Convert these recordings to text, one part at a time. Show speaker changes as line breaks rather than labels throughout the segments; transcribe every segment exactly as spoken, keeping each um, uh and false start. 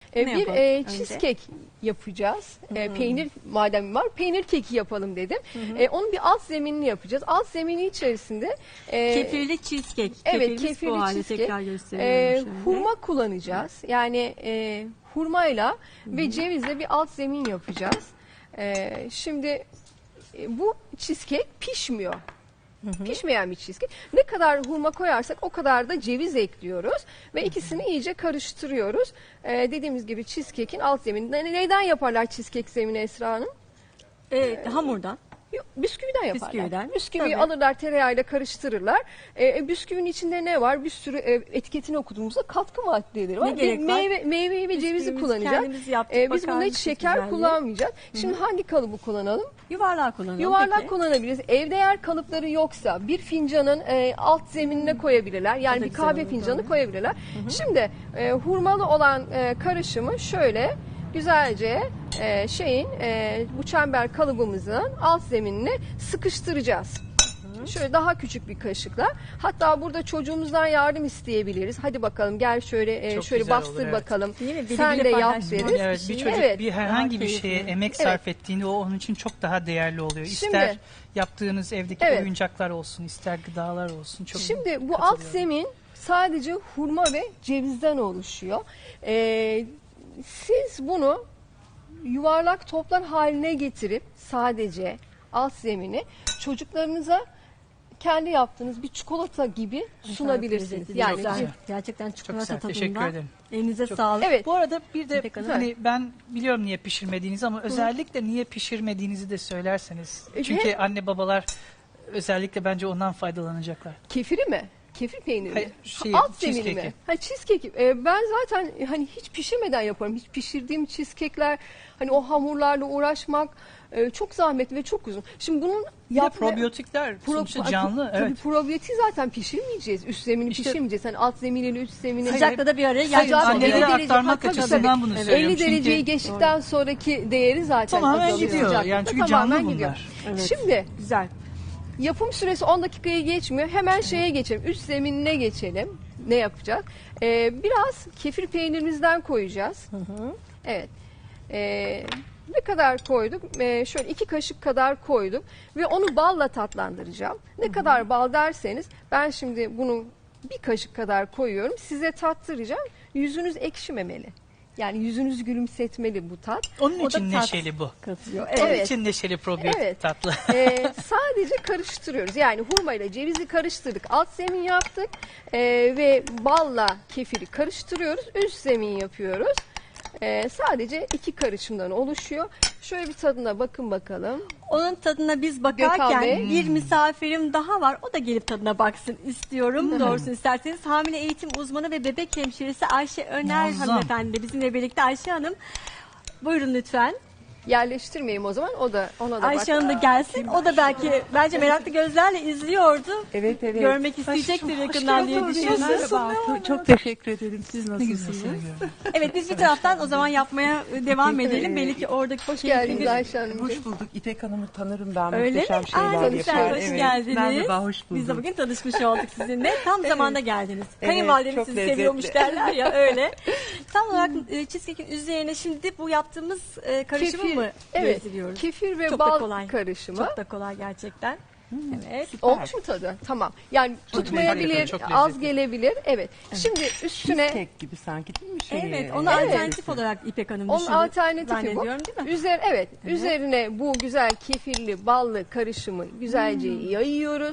E,
Ne
bir
yapalım
e,
önce?
cheesecake yapacağız. E,
Hmm.
peynir madem var, peynir keki yapalım dedim. E, onun bir alt zeminini yapacağız. Alt zemini içerisinde e,
Kefirli cheesecake.
evet,
Kefirimiz
kefirli
bu halde
cheesecake.
tekrar
e,
gösteriyorum şöyle.
hurma kullanacağız. Yani e, hurmayla ve cevizle bir alt zemin yapacağız. E, şimdi e, bu cheesecake pişmiyor. Pişmeyen bir cheesecake. Ne kadar hurma koyarsak o kadar da ceviz ekliyoruz ve ikisini iyice karıştırıyoruz. Ee, dediğimiz gibi cheesecake'in alt zemini. Ne- Neyden yaparlar cheesecake zemini Esra Hanım?
Evet, hamurdan.
Yok, bisküviden yaparlar.
Bisküviden,
Bisküviyi
tabii.
alırlar, tereyağıyla karıştırırlar. Ee, bisküvinin içinde ne var? Bir sürü e, etiketini okuduğumuzda katkı maddeleri var.
Ne gerek
Bir
var?
meyve, meyveyi ve cevizi
Bisküvimizi
kullanacağız.
kendimiz yaptık,
Ee, biz
bakar
bunda hiç
mısınız
şeker
güzelliğe?
kullanmayacağız. Şimdi hangi kalıbı kullanalım?
Yuvarlak kullanalım.
Yuvarlak
peki.
kullanabiliriz. Evde eğer kalıpları yoksa bir fincanın e, alt zeminine koyabilirler.
O
Yani
da
bir
güzel
kahve
olur,
fincanı
doğru.
koyabilirler. Şimdi e, hurmalı olan e, karışımı şöyle güzelce e, şeyin e, bu çember kalıbımızın alt zeminine sıkıştıracağız. Şöyle daha küçük bir kaşıkla. Hatta burada çocuğumuzdan yardım isteyebiliriz. Hadi bakalım gel şöyle e,
Çok
şöyle
güzel
bastır
olur, evet.
bakalım.
Değil mi? Biri
Sen
bile
de yap
paylaşmak.
deriz.
Evet, bir çocuk
Evet.
bir herhangi bir
Daha
şeye
keyifli.
emek
Evet.
sarf ettiğinde o onun için çok daha değerli oluyor.
Şimdi-
İster yaptığınız evdeki
Evet.
oyuncaklar olsun, ister gıdalar olsun. Çok
Şimdi bu alt
katılıyorum.
zemin sadece hurma ve cevizden oluşuyor. Ee, siz bunu yuvarlak toplar haline getirip sadece alt zemini çocuklarınıza kendi yaptığınız bir çikolata gibi sunabilirsiniz.
Lezzetli,
Yani
güzel.
güzel.
Gerçekten çikolata
güzel,
tadında.
teşekkür ederim.
Elinize
Çok-
sağlık.
Evet.
Bu arada bir de
İpek Hanım.
hani ben biliyorum niye pişirmediğinizi ama özellikle niye pişirmediğinizi de söylerseniz.
E,
Çünkü
hem-
anne babalar özellikle bence ondan faydalanacaklar.
kefiri mi? Kefir peyniri mi?
Hayır, şey,
Alt zemini mi?
cheesecake'i.
Ha, cheesecake. Ee, ben zaten hani hiç pişirmeden yaparım. Hiç pişirdiğim cheesecake'ler hani o hamurlarla uğraşmak e, çok zahmetli ve çok uzun. Şimdi bunun
Bir de
yapma-
probiyotikler
Pro-
sonuçta
Ay,
canlı.
Tabii
Evet.
probiyotiği zaten pişirmeyeceğiz. Üst zemini
İşte-
pişirmeyeceğiz. Hani alt zeminiyle üst zemini.
Sıcakla da bir araya
Sıcak-
gelmiş
elli
Annelere
oluyor.
derece-
aktarmak
Ha, tabii,
açısından
tabii.
bunu
elli
söylüyorum. Çünkü
dereceyi geçtikten sonraki değeri zaten
Tamamen
azalıyor.
gidiyor.
Sıcaklıkta
Yani çünkü
tamamen
canlı
gidiyor.
bunlar.
Evet.
Şimdi
Güzel.
yapım süresi on dakikayı geçmiyor. Hemen şeye geçelim. Üst zeminine geçelim. Ne yapacağız? Ee, biraz kefir peynirimizden koyacağız. Evet. Ee, ne kadar koyduk? Ee, şöyle iki kaşık kadar koyduk ve onu balla tatlandıracağım. Ne kadar bal derseniz ben şimdi bunu bir kaşık kadar koyuyorum. Size tattıracağım. Yüzünüz ekşimemeli. Yani yüzünüz gülümsetmeli bu tat.
Onun
O da
için
tat.
neşeli bu.
Katıyor.
Onun
Evet.
için neşeli probiyotik
Evet.
tatlı.
Ee, sadece karıştırıyoruz. Yani hurmayla cevizi karıştırdık. Alt zemin yaptık. Ee, ve balla kefiri karıştırıyoruz. Üst zemin yapıyoruz. Ee, sadece iki karışımdan oluşuyor. Şöyle bir tadına bakın bakalım.
Onun tadına biz
Gökhan
bakarken
Bey.
bir misafirim daha var. O da gelip tadına baksın istiyorum. Doğrusunu isterseniz hamile eğitim uzmanı ve bebek hemşiresi Ayşe Öner
Muazzam.
hanımefendi de bizimle birlikte. Ayşe Hanım buyurun lütfen.
Yerleştirmeyeyim o zaman. O da ona da
Ayşe
bak.
Hanım da gelsin. O da belki bence meraklı gözlerle izliyordu.
Evet evet.
Görmek isteyecektir yakından diye düşünüyorum.
Merhaba. Çok, çok teşekkür ederim. Siz
Ne güzel
nasılsınız?
seni görmek.
Evet biz bir taraftan o zaman yapmaya devam
Peki,
edelim.
e,
Belki oradaki
Hoş
keyifli
geldiniz
bir-
Ayşe Hanımcığım.
Hoş bulduk. İpek Hanım'ı tanırım ben.
Öyle mi?
Muhteşem şeyler
Aa, lütfen
yapar.
hoş
Evet.
geldiniz.
Merhaba, hoş bulduk.
Biz de bugün tanışmış olduk sizinle. Tam zamanda geldiniz.
Evet,
Kayınvalideniz
çok
sizi
lezzetli.
seviyormuş derler ya öyle. Tam olarak e, cheesecake'in üzerine şimdi bu yaptığımız e, karışımı
Kefir,
mı
evet,
gezdiriyoruz?
kefir ve
Çok da
bal
kolay.
karışımı.
Çok da kolay gerçekten. Evet.
Olmuş mu tadı? Tamam. Yani tutmayabilir,
lezzetli, çok
az
lezzetli.
gelebilir. Evet. Şimdi üstüne
Cheesecake gibi sanki değil mi? Şey,
Evet, ona
Evet.
alternatif olarak İpek Hanım
onun
düşündü.
alternatifi bu.
Zannediyorum, değil mi?
Üzer, evet, üzerine bu güzel kefirli, ballı karışımı güzelce
Hmm.
yayıyoruz.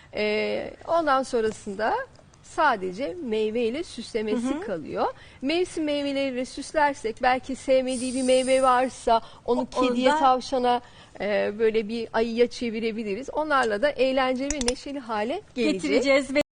Ee, ondan sonrasında sadece meyveyle süslemesi kalıyor. Mevsim meyveleriyle süslersek belki sevmediği bir meyve varsa onu
O-
kediye,
onda-
tavşana e, böyle bir ayıya çevirebiliriz. Onlarla da eğlenceli ve neşeli hale gelecek.
Getireceğiz ve